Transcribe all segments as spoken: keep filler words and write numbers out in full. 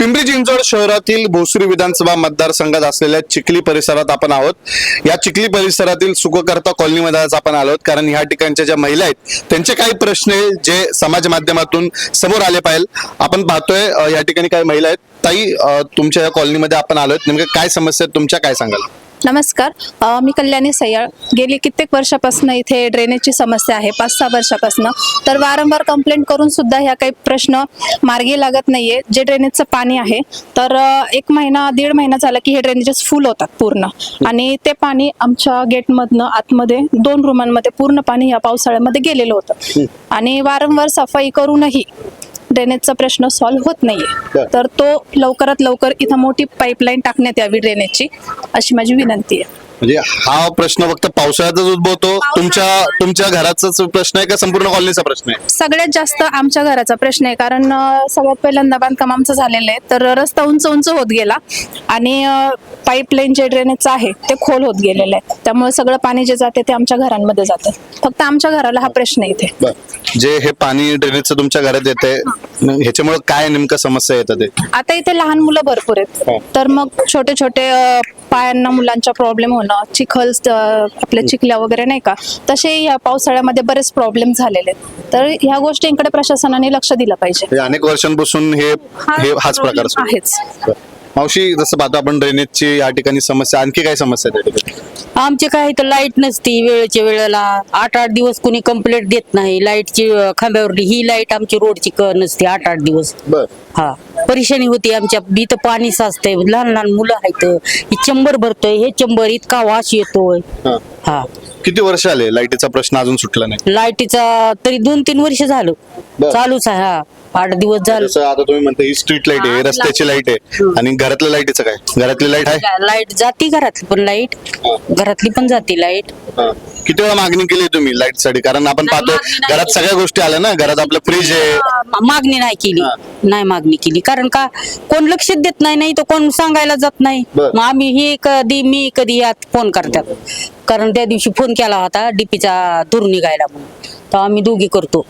पिंपरी चिंचवड शहरातील भोसरी विधानसभा मतदारसंघात असलेल्या चिखली परिसरात आपण आहोत। या चिखली परिसरातील सुखकर्ता कॉलनीमध्ये आज आपण आलोत, कारण ह्या ठिकाणच्या ज्या महिला आहेत त्यांचे काही प्रश्न आहे जे समाज माध्यमातून समोर आले पाहिजे। आपण पाहतोय या ठिकाणी काही महिला आहेत। ताई, तुमच्या या कॉलनीमध्ये आपण आलोत, नेमकं काय समस्या आहेत तुमच्या, काय सांगाल? नमस्कार, अ, मी कल्याणी सय्याळ। गेली कित्येक वर्षापासून इथे ड्रेनेजची समस्या आहे, पाच सहा वर्षापासून। तर वारंवार कंप्लेंट करून सुद्धा ह्या काही प्रश्न मार्गी लागत नाहीये। जे ड्रेनेजचं पाणी आहे तर एक महिना दीड महिना झाला की हे ड्रेनेजेस फुल होतात पूर्ण, आणि ते पाणी आमच्या गेटमधनं आतमध्ये दोन रूमांमध्ये पूर्ण पाणी या पावसाळ्यामध्ये गेलेलं होतं, आणि वारंवार सफाई करूनही ड्रेनेजचा प्रश्न सॉल्व्ह होत नाहीये। तर तो लवकरात लवकर इथं मोठी पाईपलाईन टाकण्यात यावी ड्रेनेजची, अशी माझी विनंती आहे। म्हणजे हा प्रश्न फक्त पावसाळ्यातच उद्भवतो? तुमच्या तुमच्या घराचाच प्रश्न आहे का संपूर्ण कॉलनीचा प्रश्न आहे? सगळ्यात जास्त आमच्या घराचा प्रश्न आहे, कारण सगळ्यात पहिल्यांदा बांधकाम आमचं झालेलं आहे, तर रस्ता उंच उंच होत गेला आणि पाईपलाईन जे ड्रेनेजचं आहे ते खोल होत गेलेलं आहे, त्यामुळे सगळं पाणी जे जाते ते आमच्या घरांमध्ये जातं। फक्त आमच्या घराला हा प्रश्न आहे इथे। जे हे पाणी ड्रेनेजचं तुमच्या घरात येते, ह्याच्यामुळे काय नेमकं समस्या येतात? आता इथे लहान मुलं भरपूर आहेत, तर मग छोटे छोटे पायांना मुलांचा प्रॉब्लेम होणं, चिखल आपल्या चिखल्या वगैरे नाही का, तसे या पावसाळ्यामध्ये बरेच प्रॉब्लेम झालेले आहेत। तर ह्या गोष्टींकडे प्रशासनाने लक्ष दिलं पाहिजे। अनेक वर्षांपासून हे हाच प्रकार आहेच। मावशी, जसं पाहतो आपण ड्रेनेजची या ठिकाणी समस्या, आणखी काय समस्या आहे? आमचे काय तर लाईट नसती वेळेच्या वेळेला, आठ आठ दिवस कुणी कंप्लेंट देत नाही लाईटची खांब्यावरली। ही लाईट आमची रोडची क नसते आठ आठ दिवस। हा, परेशानी होती आमच्या। इथं पाणी साचतंय, लहान लहान मुलं आहेत, ही चंबर भरतोय, हे चंबर इतका वास येतोय। हा, किती वर्ष आले लाईटीचा प्रश्न अजून सुटला नाही? लाईटीचा तरी दोन तीन वर्ष झालं चालूच आहे। हा, आठ दिवस झालं। आता तुम्ही म्हणता ही स्ट्रीट लाईट आहे, रस्त्याची लाईट आहे, आणि घरातल्या लाईटीचं काय? घरातली लाईट आहे? लाईट जाती, घरातली पण लाईट, घरातली पण जाती लाईट। किती वेळा मागणी केली तुम्ही लाईट साठी? कारण आपण पाहतो घरात सगळ्या गोष्टी आल्या ना, घरात आपलं फ्रीज आहे। मागणी नाही केली, नाही मागणी केली, कारण का कोण लक्ष देत नाही, नाही तर कोण सांगायला जात नाही। मग आम्ही हे कधी मी कधी यात फोन करतात, कारण त्या दिवशी फोन केला होता डीपीचा धूर निघायला म्हणून, तर आम्ही दोघी करतो।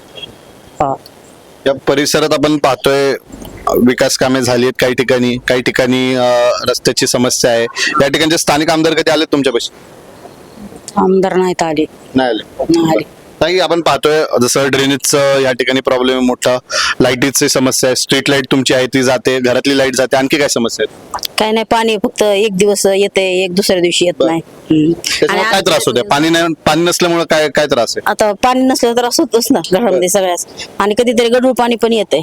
या परिसरात आपण पाहतोय विकास कामे झाली आहेत काही ठिकाणी, काही ठिकाणी रस्त्याची समस्या आहे। या ठिकाणचे स्थानिक आमदार कधी आले तुमच्यापाशी? आमदार नाहीत आले, नाही आले, नाही आले। ताई, आपण पाहतोय जसं ड्रेनेजचं या ठिकाणी प्रॉब्लेम आहे मोठा, लाईटीची समस्या आहे, स्ट्रीट लाईट तुमची आहे ती जाते, घरातली लाईट जाते, आणखी काय समस्या आहेत? काय नाही, पाणी फक्त एक दिवस येते, एक दुसऱ्या दिवशी येत नाही। त्याच्यामुळे काय त्रास होते? पाणी नाही, पाणी नसल्यामुळे काय काय त्रास आहे? आता पाणी नसलं तर त्रास होतोच ना घरामध्ये सगळ्याच, आणि कधीतरी गढूळ पाणी पण येते।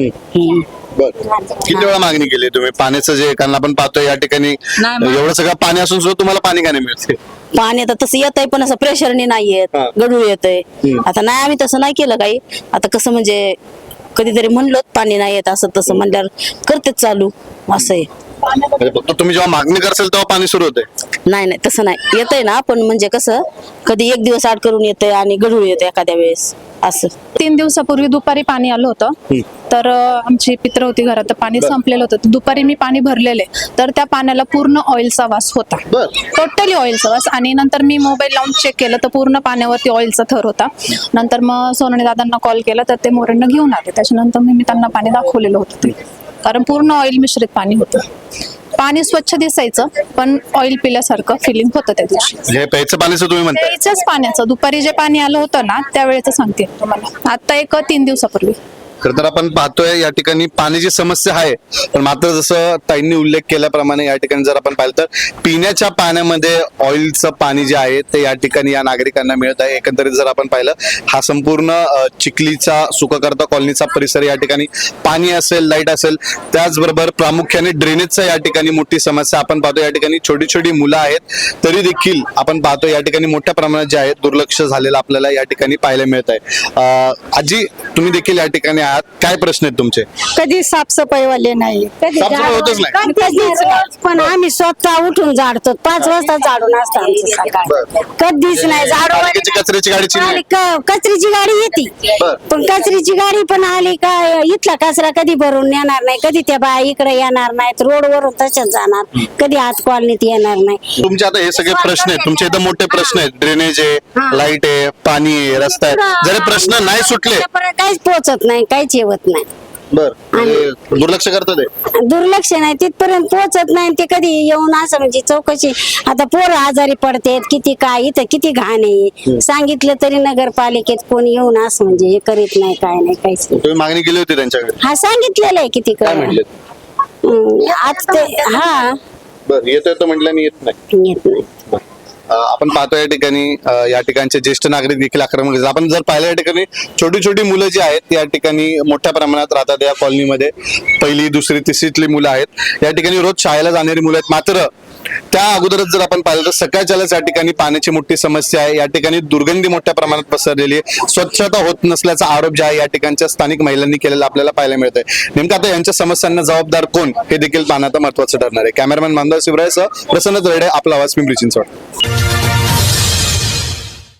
किती वेळा मागणी केली तुम्ही पाण्याचं? जे कारण आपण पाहतोय या ठिकाणी एवढं सगळं पाणी असून सुद्धा तुम्हाला पाणी का नाही मिळते? पाणी आता तसं येत आहे, पण असं प्रेशरने नाही येत, गढूळ येतंय। आता नाही, आम्ही तसं नाही केलं काही। आता कसं म्हणजे कधीतरी म्हणलं पाणी नाही येत असं तसं म्हणल्यावर करतेच चालू, असं आहे। फक्त तुम्ही जेव्हा मागणी करसाल तेव्हा पाणी सुरू होते? नाही नाही, तसं नाही, येतंय ना, पण म्हणजे कसं कधी एक दिवस आड करून येतंय आणि गढूळ येतंय एखाद्या वेळेस, असं। तीन दिवसापूर्वी दुपारी पाणी आलं होतं, तर आमची पित्र होती घरात, तर पाणी संपलेलं होतं। दुपारी मी पाणी भरलेले, तर त्या पाण्याला पूर्ण ऑइलचा वास होता, टोटली ऑइलचा वास। आणि नंतर मी मोबाईल लावून चेक केलं तर पूर्ण पाण्यावरती ऑइलचा थर होता। नंतर मग सोनवणे दादांना कॉल केला, तर ते मोरेंना घेऊन आले। त्याच्यानंतर मी त्यांना पाणी दाखवलेलं होतं ते, कारण पूर्ण ऑइल मिश्रित पाणी होतं। पाणी स्वच्छ दिसायचं, पण ऑइल पिल्यासारखं फिलिंग होतं त्या दिवशी। हे प्यायचं पाण्याचं तुम्ही म्हणताय? प्यायच्याच पाण्याचं, दुपारी जे पाणी आलं होतं ना त्यावेळेचं सांगते तुम्हाला, आता एक तीन दिवसापूर्वी। खरं तर आपण पाहतोय या ठिकाणी पाण्याची समस्या आहे, पण मात्र जसं ताईंनी उल्लेख केल्याप्रमाणे या ठिकाणी जर आपण पाहिलं तर पिण्याच्या पाण्यामध्ये ऑइलचं पाणी जे आहे ते या ठिकाणी या नागरिकांना मिळत आहे। एकंदरीत जर आपण पाहिलं, हा संपूर्ण चिखलीचा सुखकर्ता कॉलनीचा परिसर, या ठिकाणी पाणी असेल, लाईट असेल, त्याचबरोबर प्रामुख्याने ड्रेनेजचा या ठिकाणी मोठी समस्या आपण पाहतो। या ठिकाणी छोटी छोटी मुलं आहेत, तरी देखील आपण पाहतो या ठिकाणी मोठ्या प्रमाणात जे आहे दुर्लक्ष झालेलं आपल्याला या ठिकाणी पाहायला मिळत आहे। आजी, तुम्ही देखील या ठिकाणी आहात, काय प्रश्न आहेत तुमचे? कधी साफसफाईवाले नाही, कधी साफसफाई होतच नाही. कधीच नाही. पण आम्ही स्वतः उठून झाडतो, पाच वाजता झाडून असतो आमचं सकाळी, कधीच नाही झाडू। पालिकेची कचऱ्याची गाडीची आली का- कचऱ्याची गाडी येते, पण कचऱ्याची गाडी पण आली का इथला कचरा कधी भरून येणार नाही, कधी त्या बाया इकडे येणार नाहीत, रोडवरून तशाच जाणार, कधी आत कॉलनीत येणार नाही। तुमचे आता हे सगळे प्रश्न आहेत, तुमचे इथं मोठे प्रश्न आहेत, ड्रेनेज आहे, लाईट आहे, पाणी आहे, रस्ता आहे, जर हे प्रश्न नाही सुटले, काहीच पोहोचत नाही, काहीच येवत नाही। बर म्हणजे दुर्लक्ष करतात ते. दुर्लक्ष नाही तिथपर्यंत पोहोचत नाही ते कधी येऊन असं म्हणजे चौकशी आता पोरं आजारी पडतात किती काय इथं किती घाण आहे सांगितलं तरी नगरपालिकेत कोणी येऊन असं म्हणजे हे करीत नाही काय नाही काहीच नाही. तुम्ही मागणी केली होती त्यांच्याकडे, हा सांगितलेलं आहे किती काय काय म्हटले? आता ते हा बर येतो येतो म्हटलं आणि येत नाही. येत नाही. अ, आपण पाहतो या ठिकाणी अ, या ठिकाणचे ज्येष्ठ नागरिक देखील आक्रमक झाले. आपण जर पाहिलं या ठिकाणी छोटी छोटी मुलं जी आहेत या ठिकाणी मोठ्या प्रमाणात राहतात या कॉलनीमध्ये. पहिली दुसरी तिसरीतली मुलं आहेत या ठिकाणी, रोज शाळेला जाणारी मुलं आहेत. मात्र त्या अगोदरच जर आपण पाहिलं तर सकाळच्यालाच या ठिकाणी पाण्याची मोठी समस्या आहे. या ठिकाणी दुर्गंधी मोठ्या प्रमाणात पसरलेली आहे. स्वच्छता होत नसल्याचा आरोप जे आहे या ठिकाणच्या स्थानिक महिलांनी केलेला आपल्याला पाहायला मिळत आहे. नेमकं आता यांच्या समस्यांना जबाबदार कोण हे देखील पाहणं आता महत्वाचं ठरणार आहे. कॅमेरामॅन मानदार शिवरायसह प्रसन्न तरडे, आपला आवाज, पिंपरी चिंचवड.